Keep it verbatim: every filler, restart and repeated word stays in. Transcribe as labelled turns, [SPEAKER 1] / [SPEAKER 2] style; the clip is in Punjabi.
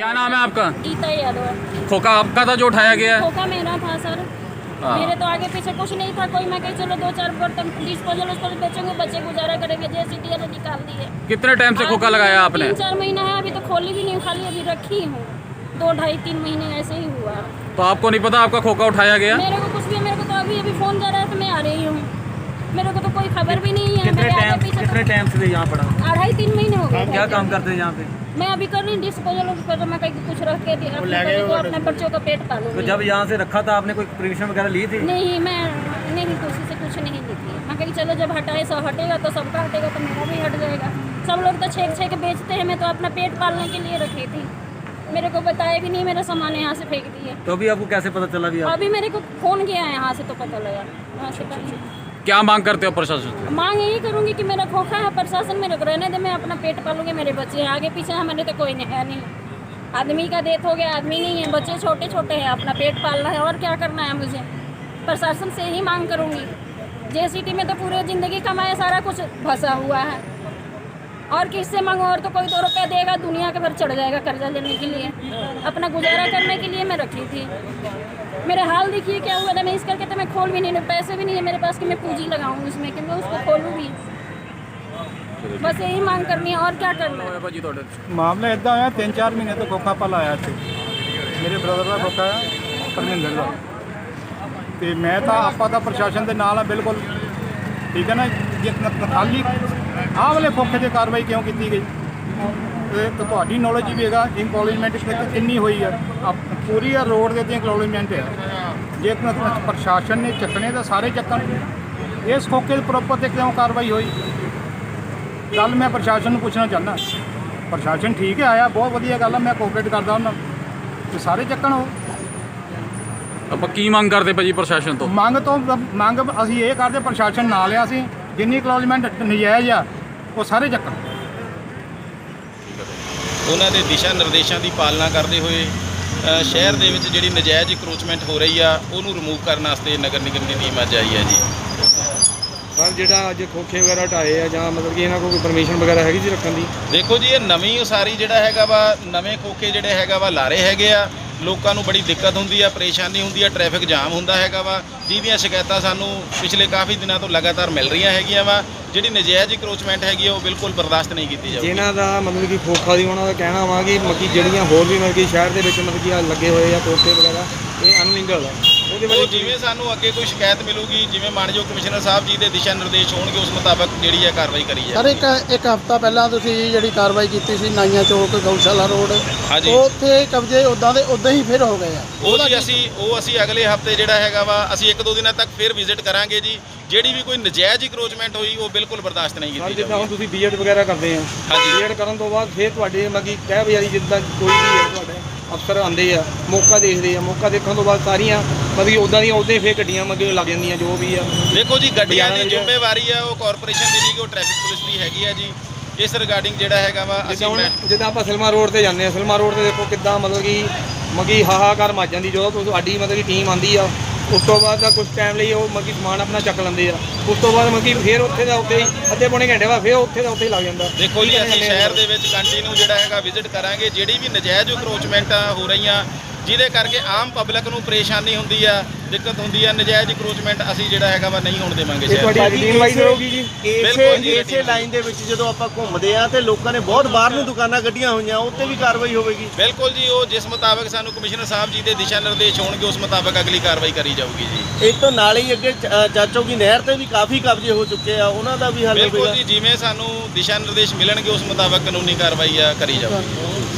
[SPEAKER 1] क्या नाम है आपका?
[SPEAKER 2] गीता यादव।
[SPEAKER 1] खोखा आपका था जो उठाया गया है?
[SPEAKER 2] खोखा मेरा था सर। मेरे तो आगे पीछे कुछ नहीं था कोई, मैं कहीं चलो दो चार बर्तन डिस्पोजल उसको बेचेंगे, बच्चे गुजारा करेंगे, जैसे डी ने निकाल दिए।
[SPEAKER 1] कितने टाइम से खोखा लगाया आपने?
[SPEAKER 2] तीन चार महीना है, अभी तो खोली भी नहीं, खाली अभी रखी हूँ। दो ढाई तीन महीने ऐसे ही हुआ।
[SPEAKER 1] तो आपको नहीं पता आपका खोखा उठाया गया?
[SPEAKER 2] मेरे को कुछ भी, मेरे को तो अभी अभी फोन कर रहा है तो मैं आ रही हूँ, मेरे को तो कोई खबर भी नहीं है।
[SPEAKER 3] कितने टाइम कितने टाइम से यहाँ पड़ा?
[SPEAKER 2] अढ़ाई तीन महीने हो गए।
[SPEAKER 3] क्या काम करते हैं यहाँ पे?
[SPEAKER 2] मैं अभी कर रही डिस्पोजल पर, मैं कहीं कुछ रख के अपने बच्चे को, अपने बच्चों का पेट पालूंगी।
[SPEAKER 3] तो जब यहाँ से रखा था आपने कोई परमिशन वगैरह ली थी?
[SPEAKER 2] नहीं, मैं नहीं किसी से कुछ नहीं ली थी। मैं कहीं चलो जब हटाए सब हटेगा तो सबका हटेगा तो मेरा भी हट जाएगा। सब लोग तो छेक छेक बेचते हैं, मैं तो अपना पेट पालने के लिए रखी थी। मेरे को बताया भी नहीं, मेरा सामान यहाँ से फेंक दिए।
[SPEAKER 3] तो अभी आपको कैसे पता चला? भी
[SPEAKER 2] अभी मेरे को फोन किया है यहाँ से तो पता लगा। वहाँ से पता।
[SPEAKER 1] क्या मांग करते हो प्रशासन से?
[SPEAKER 2] मांग यही करूँगी कि मेरा खोखा है, प्रशासन मेरे को रहने दे, मैं अपना पेट पालूंगी, मेरे बच्चे हैं आगे पीछे, हमारे तो कोई नहीं है नहीं। आदमी का डेथ हो गया, आदमी नहीं है, बच्चे छोटे छोटे हैं, अपना पेट पालना है और क्या करना है मुझे। प्रशासन से ही मांग करूँगी। जे सिटी में तो पूरे ज़िंदगी कमाया, सारा कुछ फंसा हुआ है, और किससे मांगो? और तो कोई दो रुपया देगा, दुनिया के भर चढ़ जाएगा कर्जा लेने के लिए। अपना गुजारा करने के लिए मैं रखी थी। मेरे हाल देखिए क्या हुआ था, मैं इस करके तो मैं खोल भी नहीं, पैसे भी नहीं है मेरे पास कि मैं पूंजी लगाऊं इसमें कि मैं उसको खोलूँ भी। बस यही मांग करनी है और क्या करना है।
[SPEAKER 4] ਮਾਮਲਾ ਇਦਾਂ ਹੋਇਆ, ਤਿੰਨ ਚਾਰ ਮਹੀਨੇ ਤੋਂ ਖੋਖਾ ਪਲ ਆਇਆ ਇੱਥੇ। ਮੇਰੇ ਬ੍ਰਦਰ ਦਾ ਖੋਖਾ ਆ, ਪਰਮਿੰਦਰ ਦਾ। ਤੇ ਮੈਂ ਤਾਂ ਆਪਾਂ ਤਾਂ ਪ੍ਰਸ਼ਾਸਨ ਦੇ ਨਾਲ ਆ ਬਿਲਕੁਲ, ਠੀਕ ਹੈ ਨਾ। ਜੇ ਖਾਲੀ ਆਹ ਵਾਲੇ ਖੋਖੇ 'ਤੇ ਕਾਰਵਾਈ ਕਿਉਂ ਕੀਤੀ ਗਈ? ਤੇ ਤੁਹਾਡੀ ਨੌਲੇਜ ਵੀ ਹੈਗਾ ਇੰਕਲੋਜਮੈਂਟ ਕਿੰਨੀ ਹੋਈ ਆ, ਪੂਰੀ ਆ ਰੋਡ ਦੇ ਉੱਤੇ ਇੰਕਲੋਜਮੈਂਟ ਹੈ। ਜੇ ਪ੍ਰਸ਼ਾਸਨ ਨੇ ਚੱਕਣੇ ਤਾਂ ਸਾਰੇ ਚੱਕਣ। ਇਸ ਖੋਖੇ ਦੇ ਪ੍ਰੋਪਰ 'ਤੇ ਕਿਉਂ ਕਾਰਵਾਈ ਹੋਈ? ਗੱਲ ਮੈਂ ਪ੍ਰਸ਼ਾਸਨ ਨੂੰ ਪੁੱਛਣਾ ਚਾਹੁੰਦਾ। ਪ੍ਰਸ਼ਾਸਨ ਠੀਕ ਹੈ ਆਇਆ, ਬਹੁਤ ਵਧੀਆ ਗੱਲ ਆ, ਮੈਂ ਕੋਆਪਰੇਟ ਕਰਦਾ ਉਹਨਾਂ ਤੇ ਸਾਰੇ ਚੱਕਣ। ਉਹ
[SPEAKER 1] ਆਪਾਂ ਕੀ ਮੰਗ ਕਰਦੇ ਭਾਜੀ ਪ੍ਰਸ਼ਾਸਨ ਤੋਂ?
[SPEAKER 4] ਮੰਗ ਤੋਂ ਮੰਗ ਅਸੀਂ ਇਹ ਕਰਦੇ, ਪ੍ਰਸ਼ਾਸਨ ਨਾਲ ਆ, ਅਸੀਂ ਜਿੰਨੀ ਕਲੋਜਮੈਂਟ ਨਜਾਇਜ਼ ਆ ਉਹ ਸਾਰੇ ਚੱਕਣ।
[SPEAKER 5] ਉਹਨਾਂ ਦੇ ਦਿਸ਼ਾ ਨਿਰਦੇਸ਼ਾਂ ਦੀ ਪਾਲਣਾ ਕਰਦੇ ਹੋਏ ਸ਼ਹਿਰ ਦੇ ਵਿੱਚ ਜਿਹੜੀ ਨਜਾਇਜ਼ ਇਕਰੋਚਮੈਂਟ ਹੋ ਰਹੀ ਆ ਉਹਨੂੰ ਰਿਮੂਵ ਕਰਨ ਵਾਸਤੇ ਨਗਰ ਨਿਗਮ ਦੀ ਟੀਮ ਅੱਜ ਆਈ ਹੈ ਜੀ।
[SPEAKER 6] ਸਰ ਜਿਹੜਾ ਅੱਜ ਖੋਖੇ ਵਗੈਰਾ ਢਾਏ ਆ ਜਾਂ ਮਤਲਬ ਕਿ ਇਹਨਾਂ ਕੋਲ ਕੋਈ ਪਰਮਿਸ਼ਨ ਵਗੈਰਾ ਹੈਗੀ ਜੀ ਰੱਖਣ ਦੀ?
[SPEAKER 5] ਦੇਖੋ ਜੀ, ਇਹ ਨਵੀਂ ਉਸਾਰੀ ਜਿਹੜਾ ਹੈਗਾ ਵਾ, ਨਵੇਂ ਖੋਖੇ ਜਿਹੜੇ ਹੈਗਾ ਵਾ ਲਾ ਰਹੇ ਹੈਗੇ ਆ। ਲੋਕਾਂ ਨੂੰ ਬੜੀ ਦਿੱਕਤ ਹੁੰਦੀ ਆ, ਪਰੇਸ਼ਾਨੀ ਹੁੰਦੀ ਆ, ਟ੍ਰੈਫਿਕ ਜਾਮ ਹੁੰਦਾ ਹੈਗਾ ਵਾ, ਜਿਹਦੀਆਂ ਸ਼ਿਕਾਇਤਾਂ ਸਾਨੂੰ ਪਿਛਲੇ ਕਾਫੀ ਦਿਨਾਂ ਤੋਂ ਲਗਾਤਾਰ ਮਿਲ ਰਹੀਆਂ ਹੈਗੀਆਂ ਵਾ। ਜਿਹੜੀ ਨਜਾਇਜ਼ ਇਕਰੋਚਮੈਂਟ ਹੈਗੀ ਆ ਉਹ ਬਿਲਕੁਲ ਬਰਦਾਸ਼ਤ ਨਹੀਂ ਕੀਤੀ ਜਾਊਗੀ।
[SPEAKER 6] ਇਹਨਾਂ ਦਾ ਮਤਲਬ ਕਿ ਖੋਖਾ ਦੀ ਉਹਨਾਂ ਦਾ ਕਹਿਣਾ ਵਾ ਕਿ ਮੱਕੀ ਜਿਹੜੀਆਂ ਹੋਰ ਵੀ ਮਤਲਬ ਕਿ ਸ਼ਹਿਰ ਦੇ ਵਿੱਚ ਮਤਲਬ ਕਿ ਲੱਗੇ ਹੋਏ ਆ ਖੋਖੇ ਵਗੈਰਾ, ਇਹ ਅਨਲੀਗਲ ਆ। ਉਹਦੇ
[SPEAKER 5] ਉਹ ਜਿਵੇਂ ਸਾਨੂੰ ਅੱਗੇ ਕੋਈ ਸ਼ਿਕਾਇਤ ਮਿਲੂਗੀ, ਜਿਵੇਂ ਮਾਨਯੋਗ ਕਮਿਸ਼ਨਰ ਸਾਹਿਬ ਜੀ ਦੇ ਦਿਸ਼ਾ ਨਿਰਦੇਸ਼ ਹੋਣਗੇ, ਉਸ ਮੁਤਾਬਕ ਜਿਹੜੀ ਹੈ ਕਾਰਵਾਈ ਕਰੀ
[SPEAKER 7] ਸਰ
[SPEAKER 5] ਜਾਏਗੀ।
[SPEAKER 7] ਇੱਕ ਇੱਕ ਹਫ਼ਤਾ ਪਹਿਲਾਂ ਤੁਸੀਂ ਜਿਹੜੀ ਕਾਰਵਾਈ ਕੀਤੀ ਸੀ ਨਾਈਆਂ ਚੌਕ ਗਊਸ਼ਾਲਾ ਰੋਡ,
[SPEAKER 5] ਹਾਂਜੀ,
[SPEAKER 7] ਉੱਥੇ ਕਬਜ਼ੇ ਉਦਾਂ ਦੇ ਉਦਾਂ ਹੀ ਫਿਰ ਹੋ ਗਏ ਆ।
[SPEAKER 5] ਉਹ ਜੀ ਅਸੀਂ ਉਹ ਅਸੀਂ ਅਗਲੇ ਹਫਤੇ ਜਿਹੜਾ ਹੈਗਾ ਵਾ ਅਸੀਂ ਇੱਕ ਦੋ ਦਿਨਾਂ ਤੱਕ ਫਿਰ ਵਿਜ਼ਿਟ ਕਰਾਂਗੇ ਜੀ। ਜਿਹੜੀ ਵੀ ਕੋਈ ਨਜਾਇਜ਼ ਇਕਰੋਚਮੈਂਟ ਹੋਈ ਉਹ ਬਿਲਕੁਲ ਬਰਦਾਸ਼ਤ ਨਹੀਂ ਕੀਤੀ
[SPEAKER 6] ਜਿੱਦਾਂ
[SPEAKER 5] ਜਾਊਗੀ।
[SPEAKER 6] ਹੁਣ ਤੁਸੀਂ ਬੀਐਡ ਵਗੈਰਾ ਕਰਦੇ ਆ,
[SPEAKER 5] ਹਾਂਜੀ,
[SPEAKER 6] ਬੀਐਡ ਕਰਨ ਤੋਂ ਬਾਅਦ ਫਿਰ ਤੁਹਾਡੇ ਮਤਲਬ ਕਿ ਕਹਿ ਬਜਾਰੀ ਜਿੱਦਾਂ ਕੋਈ ਵੀ ਹੈ ਤੁਹਾਡੇ ਅਫਸਰ ਆਉਂਦੇ ਆ, ਮੌਕਾ ਦੇਖਦੇ ਆ, ਮੌਕਾ ਦੇਖਣ ਤੋਂ ਬਾਅਦ ਸਾਰੀਆਂ ਮਤਲਬ ਕਿ ਉੱਦਾਂ ਦੀਆਂ ਉੱਦਾਂ ਹੀ ਫਿਰ ਗੱਡੀਆਂ ਮੱਗੇ ਲੱਗ ਜਾਂਦੀਆਂ ਜੋ ਵੀ ਆ।
[SPEAKER 5] ਦੇਖੋ ਜੀ, ਗੱਡੀਆਂ ਦੀ ਜ਼ਿੰਮੇਵਾਰੀ ਆ ਉਹ ਕਾਰਪੋਰੇਸ਼ਨ ਦੀ ਨਹੀਂ ਕਿ ਉਹ ਟ੍ਰੈਫਿਕ ਪੁਲਿਸ ਦੀ ਹੈਗੀ ਆ ਜੀ। ਇਸ ਰਿਗਾਰਡਿੰਗ ਜਿਹੜਾ ਹੈਗਾ ਵਾ ਅਸੀਂ
[SPEAKER 6] ਜਿੱਦਾਂ ਆਪਾਂ ਸਿਲਮਾ ਰੋਡ ਤੇ ਜਾਂਦੇ ਆ, ਸਿਲਮਾ ਰੋਡ ਤੇ ਦੇਖੋ ਕਿੱਦਾਂ ਮਤਲਬ ਕਿ ਮੱਗੀ ਹਾਹਾਕਾਰ ਮੱਚ ਜਾਂਦੀ ਜਦੋਂ ਤੁਹਾਡੀ ਮਤਲਬ ਕਿ ਟੀਮ ਆਉਂਦੀ ਆ। ਉਸ ਤੋਂ ਬਾਅਦ ਦਾ ਕੁਝ ਟਾਈਮ ਲਈ ਉਹ ਮੱਗੀ ਸਮਾਨ ਆਪਣਾ ਚੱਕ ਲੈਂਦੇ ਆ। ਉਸ ਤੋਂ ਬਾਅਦ ਮੱਗੀ ਫਿਰ ਉੱਥੇ ਦਾ ਉੱਥੇ ਹੀ ਅੱਧੇ ਪੌਣੇ ਘੰਟੇ ਬਾਅਦ ਫਿਰ ਉੱਥੇ ਦਾ ਉੱਥੇ ਹੀ ਲੱਗ ਜਾਂਦਾ।
[SPEAKER 5] ਦੇਖੋ ਜੀ, ਅਸੀਂ ਸ਼ਹਿਰ ਦੇ ਵਿੱਚ ਕੰਟੀਨਿਊ ਜਿਹੜਾ ਹੈਗਾ ਵਿਜ਼ਿਟ ਕਰਾਂਗੇ। ਜਿਹੜੀ ਵੀ ਨਜਾਇਜ਼ ਇਕਰੋਚਮੈਂਟਾਂ ਹੋ ਰਹੀਆਂ ਜਿਹਦੇ ਕਰਕੇ ਆਮ ਪਬਲਿਕ ਨੂੰ ਪਰੇਸ਼ਾਨੀ ਹੁੰਦੀ ਆ, ਦਿੱਕਤ ਹੁੰਦੀ ਆ, ਨਜਾਇਜ਼ ਇਕਰੋਚਮੈਂਟ ਅਸੀਂ ਜਿਹੜਾ ਹੈਗਾ ਵਾ ਨਹੀਂ ਹੋਣ ਦੇਵਾਂਗੇ ਸ਼ਹਿਰ।
[SPEAKER 8] ਇਸੇ ਲਾਈਨ ਦੇ ਵਿੱਚ ਜਦੋਂ ਆਪਾਂ ਘੁੰਮਦੇ ਆ ਤੇ ਲੋਕਾਂ ਨੇ ਬਹੁਤ ਬਾਹਰ ਨੂੰ ਦੁਕਾਨਾਂ ਕੱਢੀਆਂ ਹੋਈਆਂ, ਉੱਤੇ ਵੀ ਕਾਰਵਾਈ ਹੋਵੇਗੀ?
[SPEAKER 5] ਬਿਲਕੁਲ ਜੀ, ਉਹ ਜਿਸ ਮੁਤਾਬਕ ਸਾਨੂੰ ਕਮਿਸ਼ਨਰ ਸਾਹਿਬ ਜੀ ਦੇ ਦਿਸ਼ਾ ਨਿਰਦੇਸ਼ ਹੋਣਗੇ ਉਸ ਮੁਤਾਬਕ ਅਗਲੀ ਕਾਰਵਾਈ ਕਰੀ ਜਾਊਗੀ ਜੀ।
[SPEAKER 8] ਇਸ ਤੋਂ ਨਾਲ ਹੀ ਅੱਗੇ ਚਾਚੋ ਕੀ ਨਹਿਰ ਤੇ ਵੀ ਕਾਫੀ ਕਬਜ਼ੇ ਹੋ ਚੁੱਕੇ ਆ, ਉਹਨਾਂ ਦਾ ਵੀ ਹੱਲ ਹੋਵੇਗਾ?
[SPEAKER 5] ਬਿਲਕੁਲ ਜੀ, ਜਿਵੇਂ ਸਾਨੂੰ ਦਿਸ਼ਾ ਨਿਰਦੇਸ਼ ਮਿਲਣਗੇ ਉਸ ਮੁਤਾਬਕ ਕਾਨੂੰਨੀ ਕਾਰਵਾਈ ਆ ਕਰੀ ਜਾਊਗੀ।